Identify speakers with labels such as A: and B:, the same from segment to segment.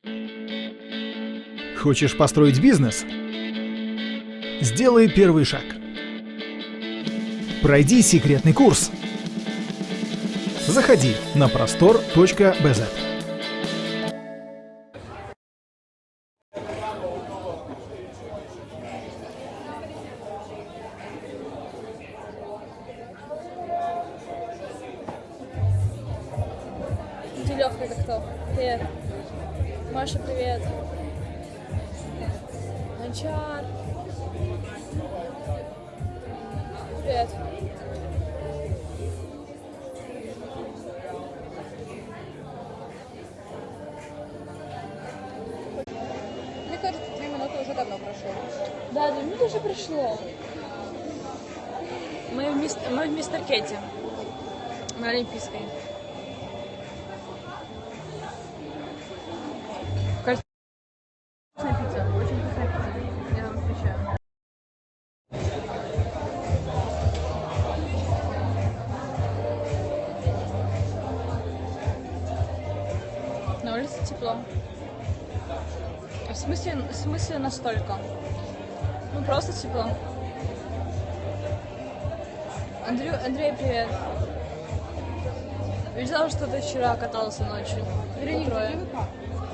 A: Хочешь построить бизнес? Сделай первый шаг. Пройди секретный курс. Заходи на prostor.bz.
B: Лёвка, это кто? Привет. Маша, привет. Анчар. Привет.
C: Мне кажется, 2 минуты уже давно прошло.
B: Да, 2 минуты уже пришло. Мы в Мистер Кетти. На Олимпийской.
C: Вкусная пицца, очень вкусная пицца. Я вам отвечаю.
B: На улице тепло. В смысле настолько? Ну просто тепло. Андрей, привет. Видела, что ты вчера катался ночью?
C: Вероника,
B: По трое.
C: где вы как?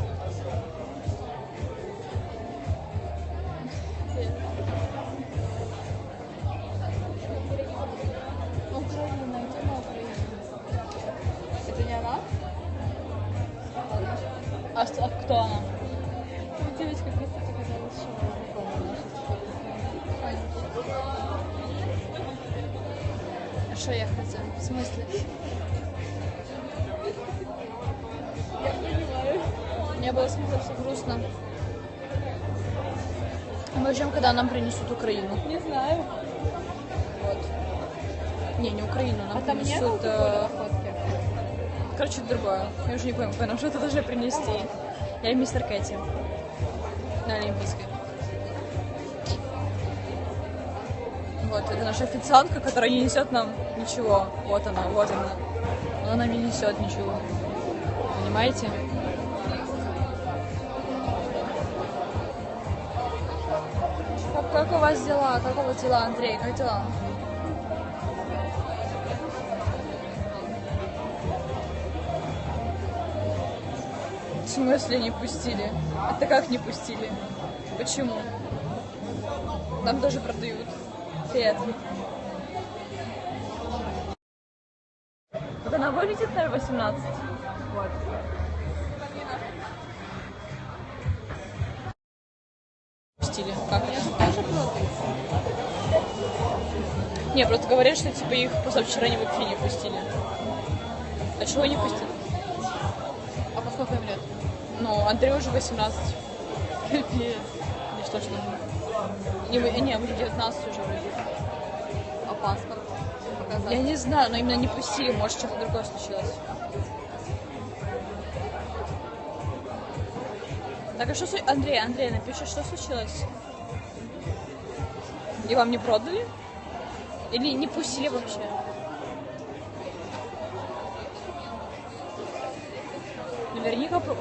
B: Украина, тема Украины.
C: Это не она?
B: А кто она?
C: Девочка просто показалась, что знакомая наша.
B: А что я хотела? В смысле?
C: Я не знаю.
B: Мне было смотреться грустно. Мы ждем, когда нам принесут Украину.
C: Не знаю.
B: Вот. Не Украину, нам
C: А там не было
B: принесут...
C: такой фотки?
B: Короче, другое. Я уже не помню, что это должны принести. Я в Мистер Кетти. На Олимпийской. Вот, это наша официантка, которая не несет нам ничего. Вот она, вот она. Она нам не несет ничего. Понимаете? Как у вас дела? Как у вас дела, Андрей? Как дела? В смысле не пустили? Это как не пустили? Почему? Нам тоже продают. Привет. Вот она вылетит на 18. Вот. Пустили. Как это?
C: Тоже продают.
B: Не, просто говорят, что типа их позавчера вообще не пустили. А чего не пустили?
C: А по сколько им лет?
B: Ну, Андрею уже 18.
C: Капец.
B: Или что ж там? Не, уже 19 уже вроде.
C: А паспорт показать?
B: Я не знаю, но именно не пустили, может что-то другое случилось. Так, а что случилось? Андрей, напиши, что случилось? И вам не продали? Или не пустили вообще? Наверняка